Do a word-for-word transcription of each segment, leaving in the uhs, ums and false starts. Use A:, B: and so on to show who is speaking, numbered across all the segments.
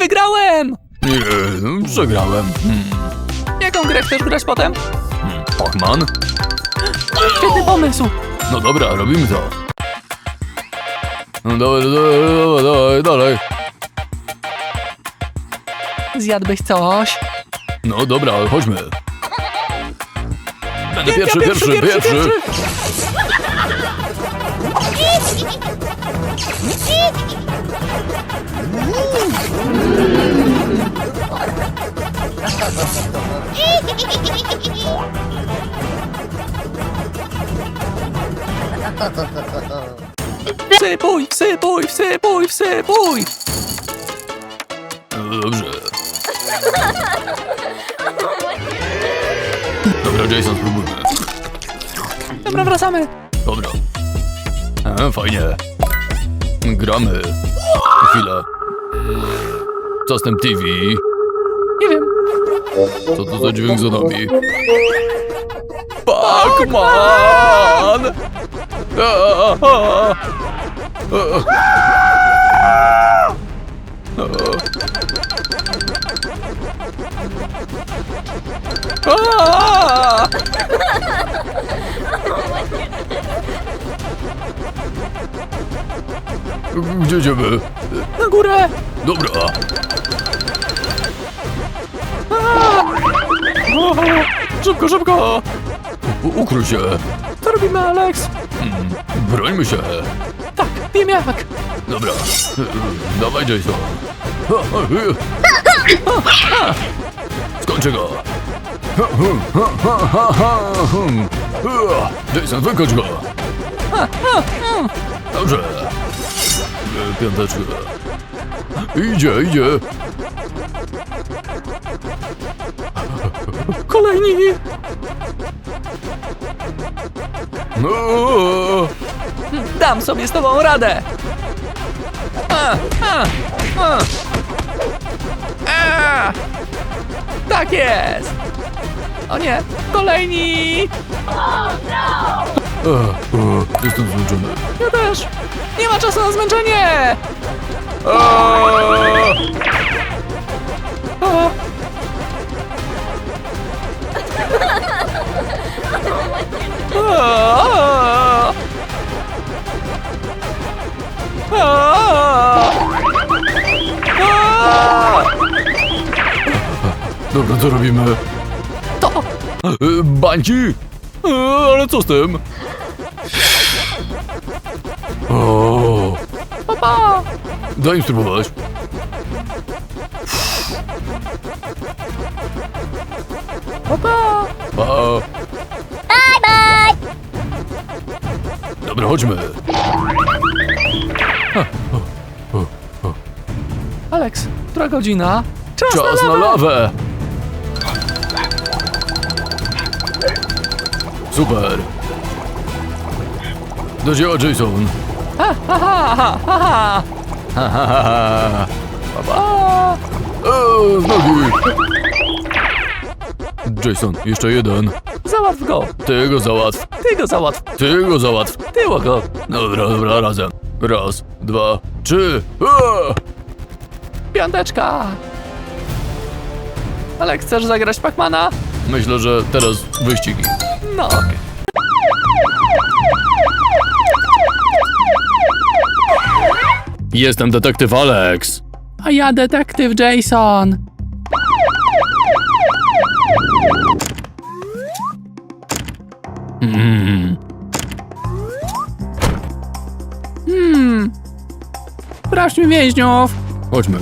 A: Wygrałem!
B: Nie, no, przegrałem. Hmm.
A: Jaką grę chcesz grać potem?
B: Hmm. Pac-Man?
A: Świetny pomysł!
B: No dobra, robimy to. No dawaj, dawaj, dawaj, dalej.
A: Zjadłbyś coś?
B: No dobra, chodźmy. Będę
A: Ja
B: pierwszy, pierwszy, pierwszy.
A: Wsypuj, wsypuj, wsypuj, wsypuj!
B: No dobrze. Dobra, Jason, spróbujmy.
A: Dobra, wracamy.
B: Dobra. A, fajnie. Gramy. Chwilę. Co z tym T V?
A: Nie wiem.
B: Co to za dźwięk za nami? Pac-Man! A, a, a. A.
A: Aaaa!
B: Gdzie idziemy?
A: Na górę!
B: Dobra.
A: O, szybko, szybko!
B: U- ukryj się.
A: Co robimy, Alex?
B: Hmm. Brońmy się.
A: Tak, wiem jak.
B: Dobra. Dawaj, Jason. Skończę go. Jason, wykończ go. Dobrze. Piąteczkę. Idzie, idzie.
A: Kolejni!
B: No.
A: Dam sobie z tobą radę! A, a, a. A. Tak jest! O nie, kolejni!
B: E, e, Jestem zmęczony.
A: Ja też! Nie ma czasu na zmęczenie!
B: Aaaa!
A: A. A. A. A.
B: Dobra, co robimy?
A: To!
B: E, Bańki? E, Ale co z tym? O,
A: Papa!
B: daj im spróbować.
A: Papa!
B: Pa. Bye, bye. Dobra, chodźmy.
A: Alex, która godzina? Czas,
B: Czas
A: na
B: na
A: lawę!
B: lawę. Super. Do dzieła, Jason.
A: Ha, ha, ha, ha, ha, ha.
B: Ha, ha, ha, ha.
A: Pa, pa.
B: O, z nogi. Jason, jeszcze jeden.
A: Załatw go!
B: Ty go załatw.
A: Ty go załatw!
B: Ty go załatw.
A: Tyło go!
B: Dobra, dobra, razem. Raz, dwa, trzy. A!
A: Piąteczka! Alex, chcesz zagrać Pacmana?
B: Myślę, że teraz wyścigi.
A: No okej.
B: Jestem detektyw Alex.
A: A ja detektyw Jason.
B: Mm.
A: Hmm. Sprawdźmy więźniów.
B: Chodźmy.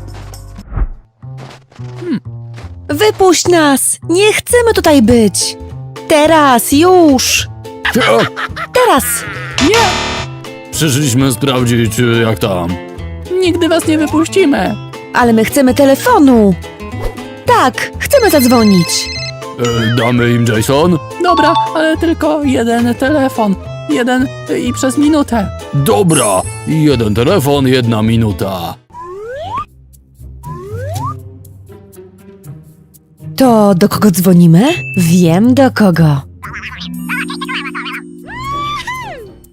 C: Wypuść nas! Nie chcemy tutaj być! Teraz, już! Teraz!
A: Nie!
B: Przyszliśmy sprawdzić, jak tam.
A: Nigdy was nie wypuścimy.
C: Ale my chcemy telefonu! Tak, chcemy zadzwonić!
B: E, damy im Jason?
A: Dobra, ale tylko jeden telefon. Jeden i przez minutę.
B: Dobra. Jeden telefon, jedna minuta.
C: To do kogo dzwonimy? Wiem do kogo.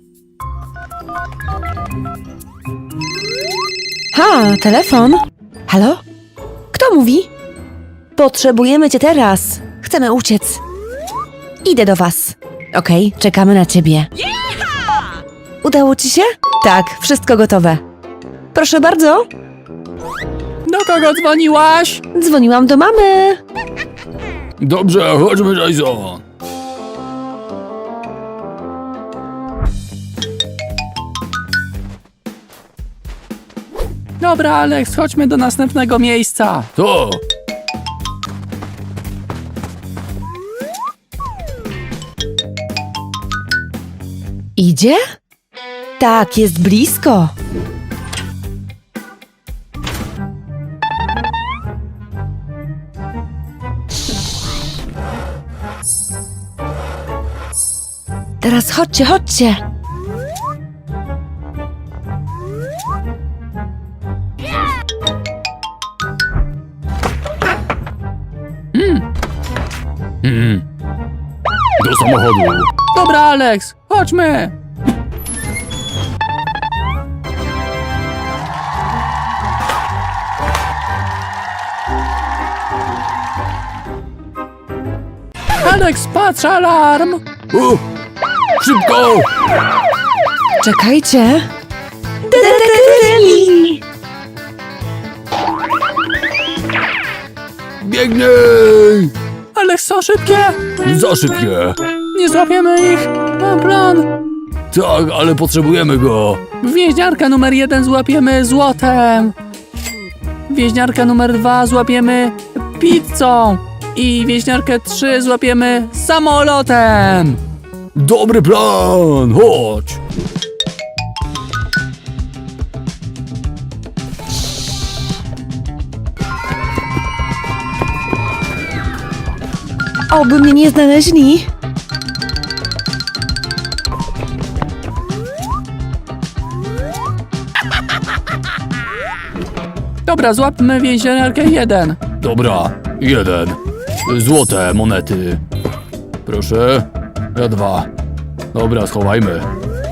C: Ha, telefon. Halo? Kto mówi? Potrzebujemy cię teraz. Chcemy uciec. Idę do was. Okej, czekamy na ciebie. Udało ci się? Tak, wszystko gotowe. Proszę bardzo.
A: Do kogo dzwoniłaś?
C: Dzwoniłam do mamy.
B: Dobrze, chodźmy, Jason.
A: Dobra, Alex, chodźmy do następnego miejsca.
B: To.
C: Idzie? Tak, jest blisko. Teraz chodźcie, chodźcie.
B: Hmm. Do samochodu.
A: Dobra, Alex, chodźmy. Alex, patrz, alarm.
B: U, szybko!
C: Czekajcie. Detektywi!
B: Biegnij!
A: Alex, są szybkie.
B: Za szybkie.
A: Nie złapiemy ich. Mam plan.
B: Tak, ale potrzebujemy go.
A: Więźniarkę numer jeden złapiemy złotem. Więźniarkę numer dwa złapiemy pizzą. I więźniarkę trzy złapiemy samolotem.
B: Dobry plan, chodź.
C: Oby mnie nie znaleźli.
A: Dobra, złapmy więźniarkę jeden.
B: Dobra, jeden. Złote monety. Proszę. Ja dwa. Dobra, schowajmy.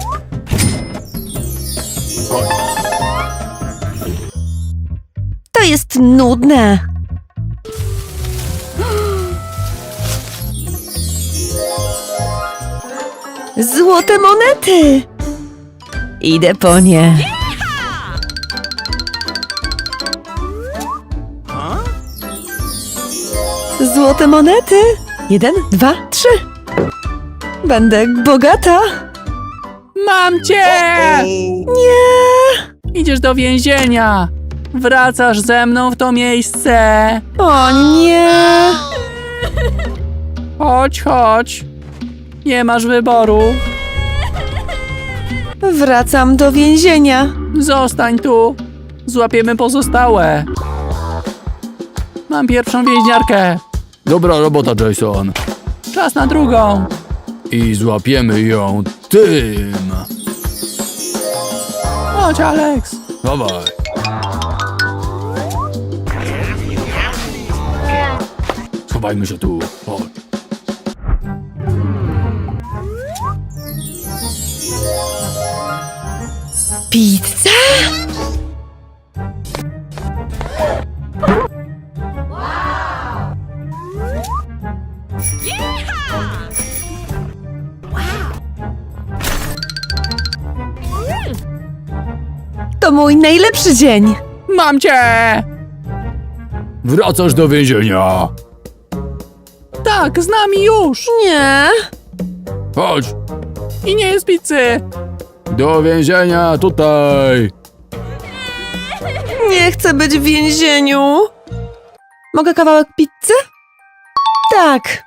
C: To jest nudne. Złote monety. Idę po nie. Złote monety. Jeden, dwa, trzy. Będę bogata.
A: Mam cię!
C: Nie.
A: Idziesz do więzienia. Wracasz ze mną w to miejsce.
C: O nie.
A: Chodź, chodź. Nie masz wyboru.
C: Wracam do więzienia.
A: Zostań tu. Złapiemy pozostałe. Mam pierwszą więźniarkę.
B: Dobra robota, Jason.
A: Czas na drugą.
B: I złapiemy ją tym.
A: Chodź, Alex.
B: Dawaj. Schowajmy się tu. Chodź.
C: Pizza? To mój najlepszy dzień.
A: Mam cię!
B: Wracasz do więzienia.
A: Tak, z nami już.
C: Nie.
B: Chodź.
A: I nie jest pizzy.
B: Do więzienia tutaj.
C: Nie chcę być w więzieniu. Mogę kawałek pizzy? Tak.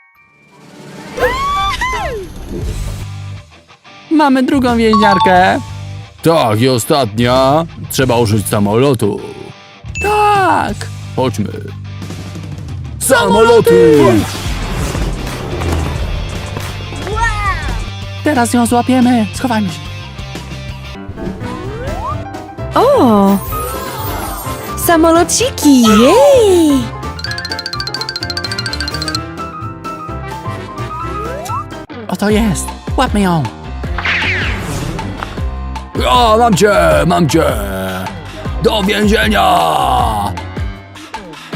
A: Mamy drugą więźniarkę.
B: Tak, i ostatnia. Trzeba użyć samolotu.
A: Tak.
B: Chodźmy. Samoloty!
A: Teraz ją złapiemy. Schowajmy się.
C: O! Samolociki! Jej!
A: Oto jest. Łapmy ją.
B: O, mam cię, mam cię. Do więzienia.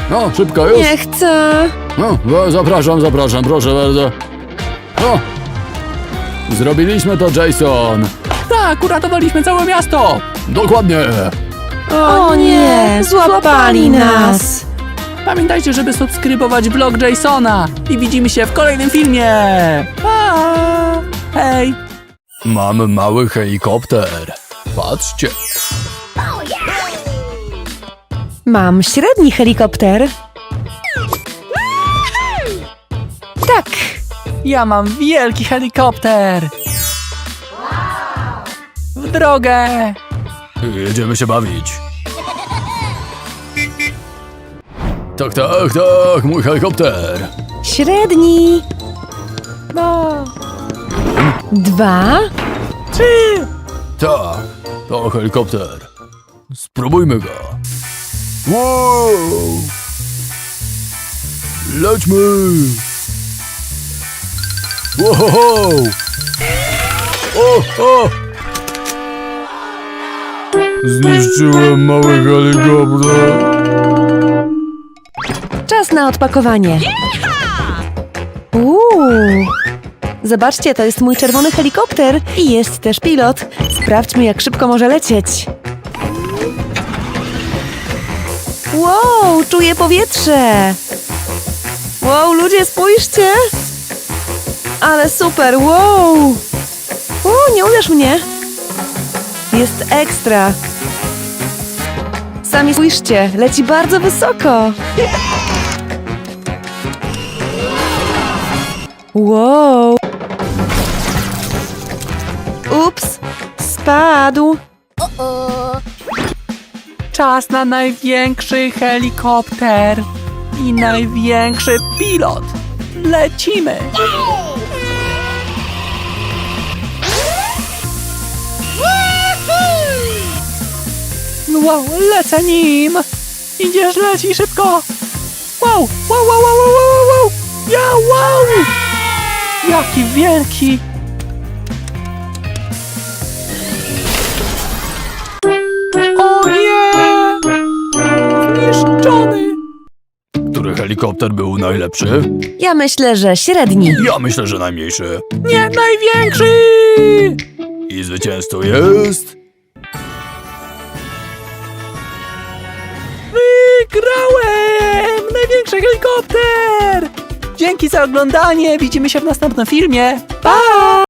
B: No, szybko już.
C: Nie chcę.
B: No, no, zapraszam, zapraszam, proszę bardzo. No. Zrobiliśmy to, Jason.
A: Tak, uratowaliśmy całe miasto.
B: Dokładnie.
C: O nie, złapali nas.
A: Pamiętajcie, żeby subskrybować vlog Jasona. I widzimy się w kolejnym filmie. Pa! Hej!
B: Mam mały helikopter. Patrzcie.
C: Mam średni helikopter. Tak.
A: Ja mam wielki helikopter. W drogę.
B: Jedziemy się bawić. Tak, tak, tak, mój helikopter.
C: Średni.
A: No.
C: Dwa.
A: Trzy.
B: Tak, to helikopter. Spróbujmy go. Wow! Lećmy! Wow! O, o! Zniszczyłem mały helikopter.
C: Czas na odpakowanie. Uuu. Zobaczcie, to jest mój czerwony helikopter i jest też pilot. Sprawdźmy, jak szybko może lecieć. Wow, czuję powietrze. Wow, ludzie, spójrzcie. Ale super, wow. O, nie uderz mnie. Jest ekstra. Sami spójrzcie, leci bardzo wysoko. Wow. Ups, spadł.
A: Czas na największy helikopter i największy pilot. Lecimy! Wow, lecę nim! Idziesz, leci szybko! Wow, wow, wow, wow, wow, wow, wow! Ja, wow! Jaki wielki! O nie! Zniszczony!
B: Który helikopter był najlepszy?
C: Ja myślę, że średni.
B: Ja myślę, że najmniejszy.
A: Nie, największy!
B: I zwycięzcą jest...
A: Wygrałem! Największy helikopter! Dzięki za oglądanie, widzimy się w następnym filmie. Pa!